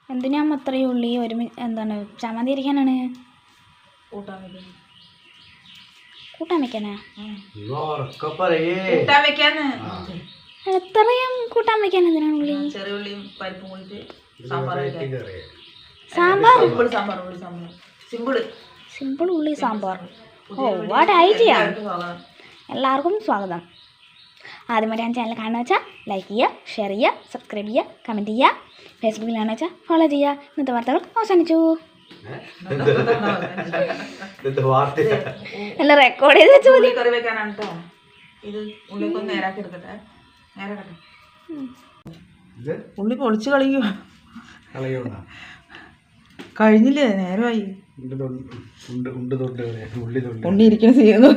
എന്തിനാ അത്രയും ഉള്ളി എന്താണ് ചമ്മന്തി അരിക്കാനാണ്? കൂട്ടാൻ വെക്കാനാ? എത്രയും കൂട്ടാൻ വെക്കാൻ എന്തിനാണ് ഉള്ളി? സിമ്പിൾ ഉള്ളി സാമ്പാർ. Oh what idea. എല്ലാവർക്കും സ്വാഗതം. ആദ്യമായിട്ട് ഞാൻ ചാനൽ കാണുക വെച്ചാൽ ലൈക്ക് ചെയ്യുക, ഷെയർ ചെയ്യുക, സബ്സ്ക്രൈബ് ചെയ്യുക, കമൻറ്റ് ചെയ്യുക. ഫേസ്ബുക്കിലാണെന്ന് വെച്ചാൽ ഫോളോ ചെയ്യുക. ഇന്നത്തെ വാർത്തകൾ അവസാനിച്ചു. എല്ലാം റെക്കോർഡ് ചെയ്ത് വെച്ചു. ഉള്ളി പൊളിച്ച് കളയുക കഴിഞ്ഞില്ലേ? നേരമായി. ഉണ്ണി ഇരിക്കുന്ന ചെയ്യുന്നു.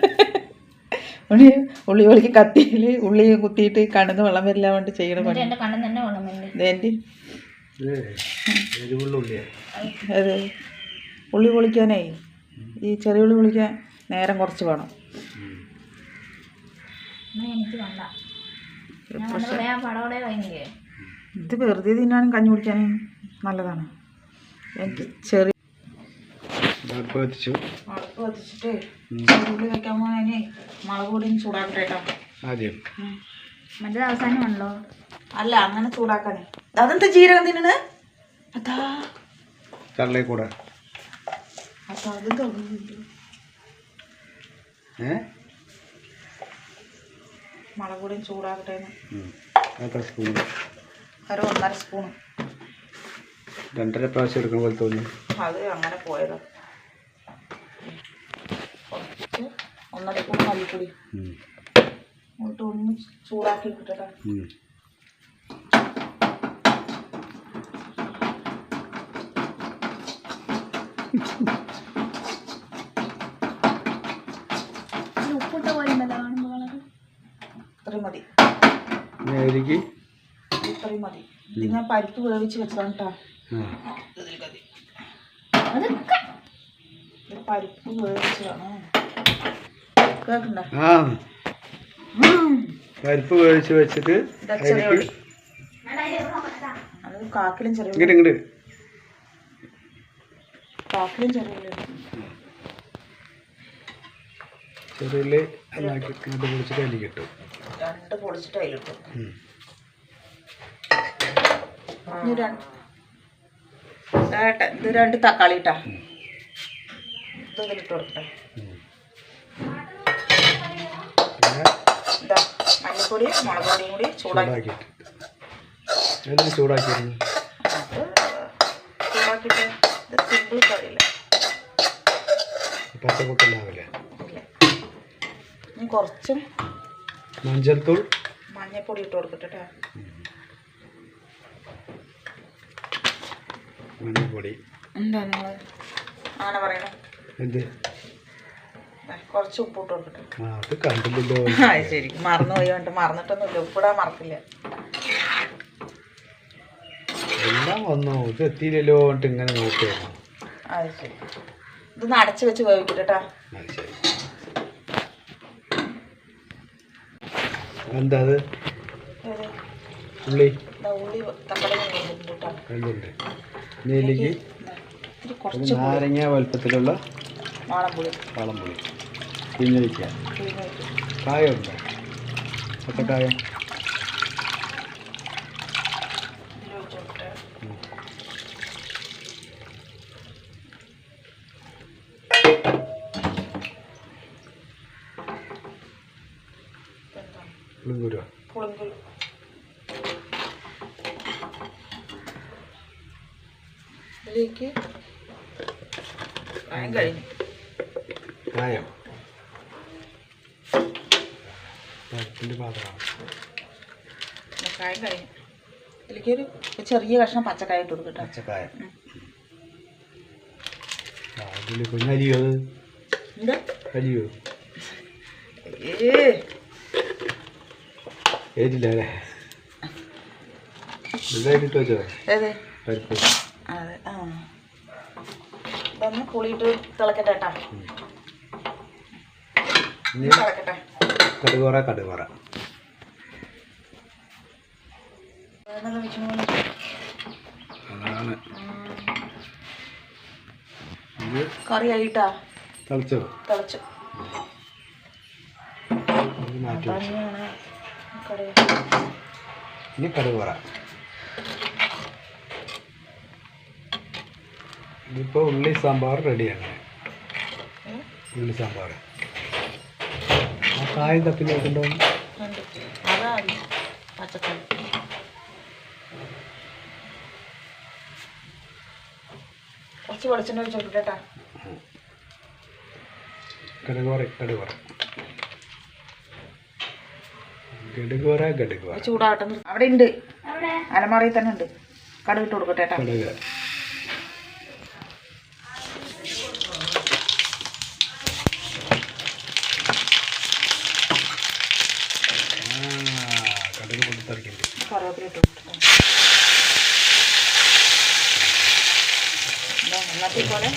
ഉള്ളി പൊളിക്ക് കത്തിയിൽ ഉള്ളി കുത്തിയിട്ട് കണ്ണിന്ന് വെള്ളം വരില്ല കൊണ്ട് ചെയ്യണ പണി. അതെ, ഉള്ളി പൊളിക്കാനേ ഈ ചെറിയ ഉള്ളി പൊളിക്കാൻ നേരം കുറച്ച് വേണം. ഇത് വെറുതെ തിന്നാനും കഞ്ഞി കുടിക്കാനും നല്ലതാണ്. എനിക്ക് ചെറിയ അടുപ്പ് കത്തിച്ചിട്ട് ചെറുള്ളി വെക്കാൻ പോകാനേ മുളക് പൊടി ചൂടാക്കട്ടെ കേട്ടോ. ആദ്യം മറ്റേത് അവസാനമാണല്ലോ. അല്ല, അങ്ങനെ ചൂടാക്കാനേ. അതെന്താ ജീരകം തിന്നണ്? അതാ കൂടെ മുളക് പൊടിയും ചൂടാക്കട്ടെ. ഒരു 1.5 സ്പൂണ്. 2.5 പ്രാവശ്യം എടുക്കുന്ന പോലെ തോന്നി. അത് അങ്ങനെ പോയതാ. കുറച്ച് 1.5 സ്പൂൺ മല്ലിപ്പൊടി എന്നിട്ട് ഒന്ന് ചൂടാക്കി കിട്ടട്ടെ. ഉപ്പിട്ട പോലെ ഇത്രയും മതി. ഇത്രയും മതി. ഇത് ഞാൻ പരിപ്പ് വേവിച്ച് വെച്ചതാണ് കേട്ടോ. പരിപ്പ് വേവിച്ചതാണ്. പരിപ്പ് വേവിച്ച് വെച്ചിട്ട് അത് കാക്കിലും ചെറിയ ചെറിയ പൊളിച്ചിട്ട് അതിൽ കിട്ടും. 2 പൊളിച്ചിട്ട് അതിലിട്ടു. ഇത് 2 തക്കാളി ഇട്ടാ ഇതിലിട്ട് കൊടുക്കട്ടെ. ഇതാ മല്ലിപ്പൊടി മുളക് പൊടിയും കൂടി ചൂടാക്കിയിട്ട് ഇത് സിമ്പിൾ കറിയില്ല. പച്ചക്കൂട്ടുണ്ടാവില്ല. ഇനി കുറച്ച് മഞ്ഞൾപ്പൊടി ഇട്ട് കൊടുക്കട്ടെ. മഞ്ഞൾപ്പൊടി എന്താ നിങ്ങൾ അങ്ങനെ പറയണേ? എന്ത്? കുറച്ച് ഉപ്പ് ഇട്ട് കൊടുക്കട്ടെ. അത് കണ്ടില്ലല്ലോ. ശരി, മറന്നുപോയി. മറന്നിട്ടൊന്നുമില്ല, ഉപ്പിടാൻ മറക്കില്ല. എല്ലാം വന്നു. ഇത് എത്തിയില്ലല്ലോ എന്നിട്ട് ഇങ്ങനെ നോക്കുകയായിരുന്നു. അത് ശരി. ഇതൊന്ന് അടച്ച് വെച്ച് വേവിക്കട്ടെ. അത് ശരി. എന്താ അത്? ഉള്ളി തക്കാളി എന്തുണ്ട്? നെല്ലിക്ക് നാരങ്ങ വലുപ്പത്തിലുള്ള വാളംപുളി പിഞ്ഞൊഴിക്കുക. കായമുണ്ടോ? പച്ചക്കായം പുളിങ്കുരു ഇതിലേക്ക് കായം കഴിഞ്ഞു. കായം പാത്രമാണ്. കായം കഴിഞ്ഞു. ഇതിലേക്ക് ഒരു ചെറിയ കഷ്ണം പച്ചക്കായ ഇട്ട് കൊടുക്കട്ടെ. പച്ചക്കായം അരിയോ? എന്താ അരിയോ? ഏതില്ല അല്ലേ? ഇതായിട്ട് വെച്ചോ പരിപ്പ്. അതെ. ഇതൊന്ന് പുളിയിട്ട് തിളക്കട്ടെ കേട്ടാ. തിളക്കട്ടെ. കടുകറ ആണ്. ഇത് കറി ആയിട്ടാ തിളച്ചോ? തിളച്ചു. ഇത് മാറ്റി വെച്ചു. തന്നെയാണ് കറി. ഇനി കടുക് വറ. ഇതിപ്പോൾ ഉള്ളി സാമ്പാർ റെഡിയാണ്. ഉള്ളി സാമ്പാർ ആ കായം തപ്പി നോക്കണ്ടോ? അതാ പച്ചക്കറി. കുറച്ച് വെളിച്ചെണ്ണ ഒഴിച്ച് നോക്കിട്ടേട്ടാ. കടുക് വറ കടുക് വറ ഗടുക് വറ ഗടുക് വറ. ചൂടാകട്ടെ. അവിടെ ഉണ്ട്, അലമാറയിൽ തന്നെ ഉണ്ട്. കടുക് ഇട്ട് കൊടുക്കട്ടേട്ടാ. കടുക് കടുക് പൊട്ടിത്തെറിക്കുന്നുണ്ട്. കറിവേപ്പില ഇട്ട് കൊടുക്കട്ടെ. എന്നത്തെ പോലെ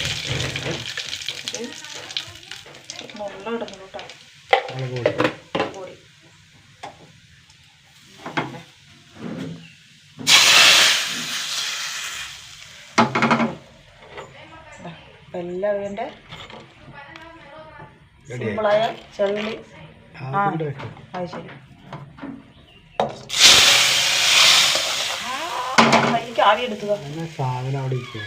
മുള്ള ഇടുന്നു കേട്ടോ. മുളക് പൊടി പൊടി എല്ലാം ഇതിൻ്റെ സിമ്പിളായ ചെറുള്ളി. ആ അത് ശരി. എനിക്ക് ആവി എടുത്തതോ സാധനം അവിടെ ഇരിക്കുക.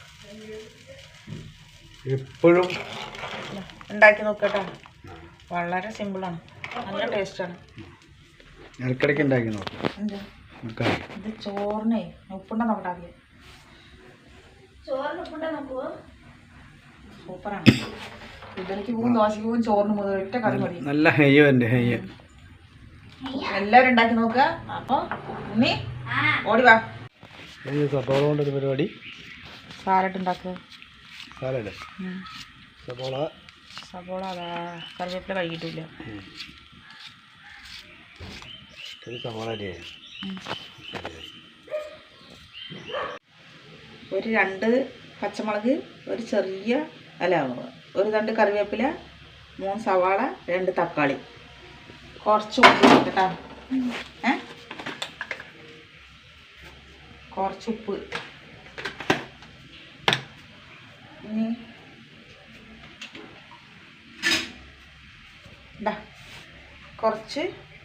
എപ്പോഴും ഉണ്ടാക്കി നോക്കട്ടെ. വളരെ സിമ്പിളാണ്, നല്ല ടേസ്റ്റാണ്. ഇടയ്ക്കിടയ്ക്ക് ഉണ്ടാക്കി നോക്കാം. എന്താ ഇത് ചോറിനെ ഉപ്പുണ്ട നോക്കട്ടെ. ആദ്യം ചോറിന് ഉപ്പുണ്ട നോക്കുവോ? സൂപ്പറാണ്. ഇഡലിക്ക് പോകും, ദോശയ്ക്ക് പോകും, ചോറിന് മുതൽ ഒറ്റ കറി മതി. നല്ല ഹെയ്യോ എൻ്റെ ഹെയ്യ. എല്ലാവരും ഉണ്ടാക്കി നോക്കുക. അപ്പോൾ ഉണ്ണി ഓടി വാ. സപ്പോള കൊണ്ടൊരു പരിപാടി. സാലഡ് ഉണ്ടാക്കുക. സാലഡ് സപ്പോള സപ്പോള അതാ കറിവേപ്പില കഴുകിയിട്ടില്ല. സപ്പോള അരിയായി. ഒരു 2 പച്ചമുളക്, ഒരു ചെറിയ ഒരു 2 കറിവേപ്പില, 3 സവാള, 2 തക്കാളി, കുറച്ച് ഉപ്പ് കേട്ടോ. കുറച്ച് ഉപ്പ്. ഇനി കുറച്ച്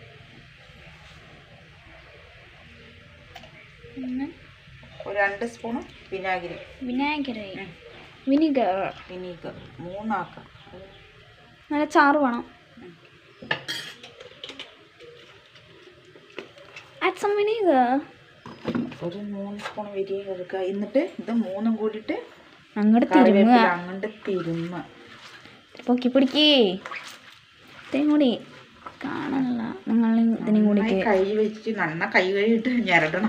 ഒരു 2 സ്പൂണ് വിനാഗിരി. വിനീഗർ 3 ആക്കാം. നല്ല ചാറ് വേണം. add some vinegar. ഒരു 3 സ്പൂൺ വിനീഗർ എടുക്കുക. എന്നിട്ട് ഇത് 3 കൂടിയിട്ട് അങ്ങോട്ട് കറിവേപ്പില അങ്ങോട്ട് തിരുമ്മ. പൊക്കി പിടിക്കേ. ഇത്രയും കൂടി കാണാനല്ല, നിങ്ങൾ ഇതിനും കൂടി കൈ വെച്ചിട്ട് നന്ന കൈ കഴിയിട്ട് ഞരട്ടണം.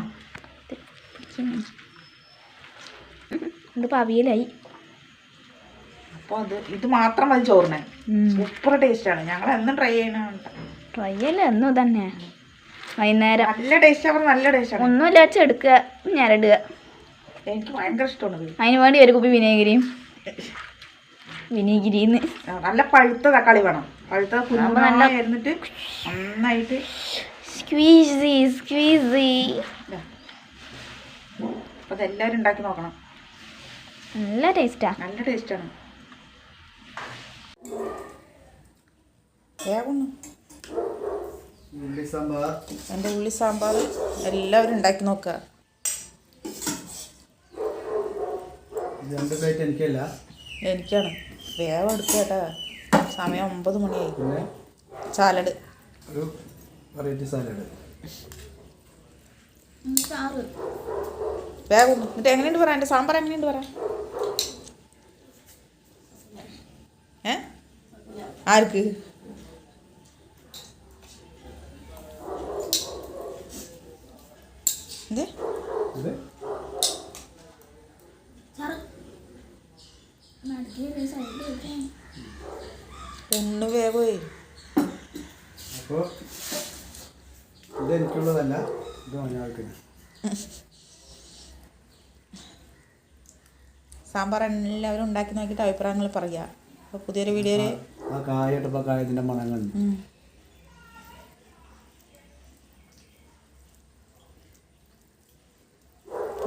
ഇതിപ്പോൾ അവിയലായി. അപ്പോൾ ഇത് മാത്രം മതി ചോറിന്. സൂപ്പർ ടേസ്റ്റാണ്. ഞങ്ങൾ എന്നും ട്രൈ ചെയ്യണ. ട്രൈ ചെയ്യല്ല എന്നും തന്നെ. വൈകുന്നേരം നല്ല ടേസ്റ്റ്. നല്ല ടേസ്റ്റാണ്. ഒന്നുമില്ല വെച്ച് എടുക്കുക, ഞരടുക. എനിക്ക് ഭയങ്കര ഇഷ്ടമാണ്. അതിന് വേണ്ടി ഒരു കുപ്പി വിനീഗിരിന്ന് നല്ല പഴുത്ത തക്കാളി വേണം. പഴുത്ത കുരുമുളകിട്ട് നന്നായിട്ട് സ്ക്വീസി. അപ്പോൾ അതെല്ലാവരും ഉണ്ടാക്കി നോക്കണം. നല്ല ടേസ്റ്റാണ്. നല്ല ടേസ്റ്റാണ്. വേഗം എൻ്റെ ഉള്ളി സാമ്പാർ എല്ലാവരും ഉണ്ടാക്കി നോക്കുക. 2 പ്ലേറ്റ് എനിക്കല്ല, എനിക്കാണ്. വേഗം എടുക്കുക കേട്ടോ. സമയം 9 മണിയായി. സാലഡ്, ഒരു വെറൈറ്റി സാലഡ്. വേഗം എന്നിട്ട് എങ്ങനെയുണ്ട് പറയാം. എൻ്റെ സാമ്പാർ എങ്ങനെയുണ്ട് പറയാം. ആർക്ക്? ഒന്ന് വേഗമേ. അപ്പോൾ ഇതെനിക്കുള്ളതല്ല, ഇത് മഞ്ഞൾക്ക്. സാമ്പാർ എല്ലാവരും ഉണ്ടാക്കി നോക്കിയിട്ട് അഭിപ്രായങ്ങൾ പറയുക. അപ്പോൾ പുതിയൊരു വീഡിയോയിൽ ആ കായട്ടപ്പോൾ കായത്തിൻ്റെ മണം കണ്ടു.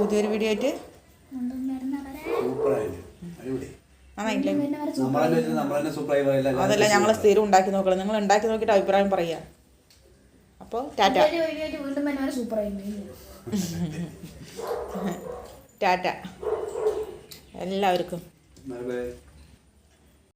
പുതിയൊരു വീഡിയോ ആയിട്ട് അതല്ല ഞങ്ങൾ സ്ഥിരം ഉണ്ടാക്കി നോക്കണം. നിങ്ങൾ ഉണ്ടാക്കി നോക്കിയിട്ട് അഭിപ്രായം പറയാം. അപ്പോൾ ടാറ്റ ടാറ്റ എല്ലാവർക്കും.